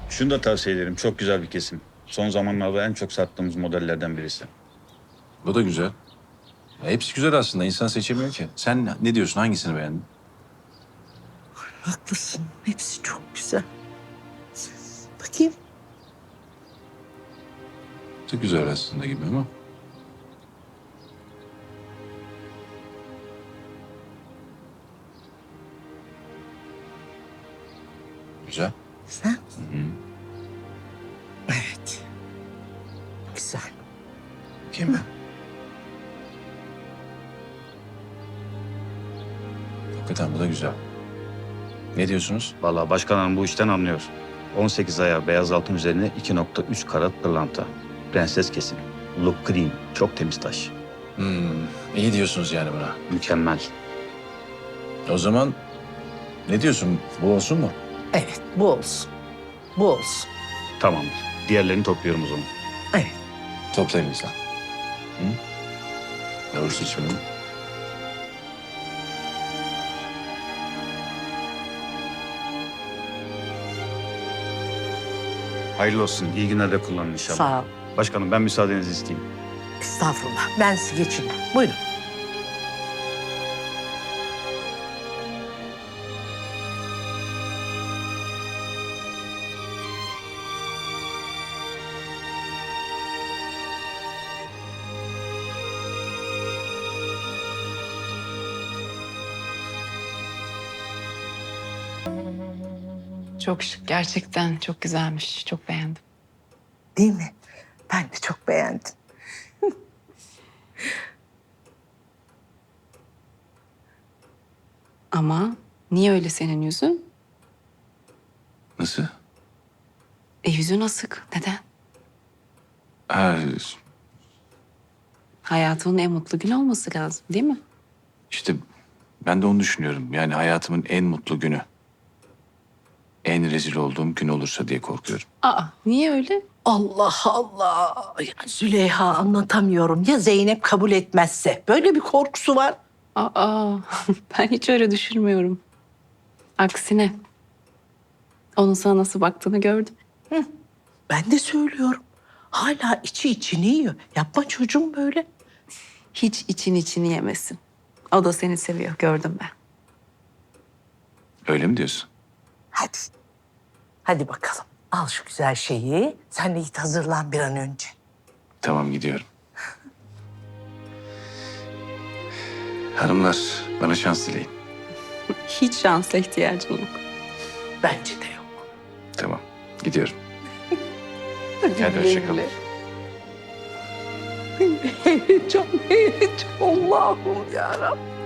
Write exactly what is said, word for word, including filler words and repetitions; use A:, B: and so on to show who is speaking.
A: Şunu da tavsiye ederim. Çok güzel bir kesim. Son zamanlarda en çok sattığımız modellerden birisi.
B: Bu da güzel. Ya hepsi güzel aslında. İnsan seçemiyor ki. Sen ne diyorsun? Hangisini beğendin?
C: Haklısın. Hepsi çok güzel. Bakayım.
B: Bu da güzel aslında gibi ama. Güzel.
C: Sen? Evet. Güzel.
B: Kim mi? Hakikaten bu da güzel. Ne diyorsunuz?
A: Vallahi başkan hanım bu işten anlıyor. on sekiz aya beyaz altın üzerine iki nokta üç karat pırlanta. Prenses kesim. Look green. Çok temiz taş.
B: Hmm, iyi diyorsunuz yani buna.
A: Mükemmel.
B: O zaman ne diyorsun? Bu olsun mu?
C: Evet, bu olsun. Bu olsun.
A: Tamamdır. Diğerlerini topluyorum o zaman.
C: Evet.
B: Toplayın lütfen. Hı? Doğru seçimi.
A: Hayırlı olsun. İyi günlerde kullanın inşallah.
C: Sağ ol.
A: Başkanım ben müsaadenizi isteyeyim.
C: Estağfurullah. Ben sizi geçireyim. Buyurun.
D: Çok şık. Gerçekten çok güzelmiş. Çok beğendim.
C: Değil mi? Ben de çok beğendim.
D: Ama niye öyle senin yüzün?
B: Nasıl?
D: E yüzün asık. Neden?
B: Ha,
D: Hayatımın en mutlu günü olması lazım değil mi?
B: işte ben de onu düşünüyorum. Yani hayatımın en mutlu günü. En rezil olduğum gün olursa diye korkuyorum.
D: Aa niye öyle?
C: Allah Allah. Ya Züleyha anlatamıyorum. Ya Zeynep kabul etmezse? Böyle bir korkusu var.
D: Aa ben hiç öyle düşünmüyorum. Aksine onun sana nasıl baktığını gördüm.
C: Ben de söylüyorum. Hala içi içini yiyor. Yapma çocuğum böyle.
D: Hiç için içini yemesin. O da seni seviyor. Gördüm ben.
B: Öyle mi diyorsun?
C: Hadi. Hadi bakalım. Al şu güzel şeyi. Sen de git hazırlan bir an önce.
B: Tamam gidiyorum. Hanımlar bana şans dileyin.
D: Hiç şansla ihtiyacın yok.
C: Bence de yok.
B: Tamam gidiyorum. Hadi hoşçakalın.
C: Heyecan, heyecan. Allah'ım yarabbim.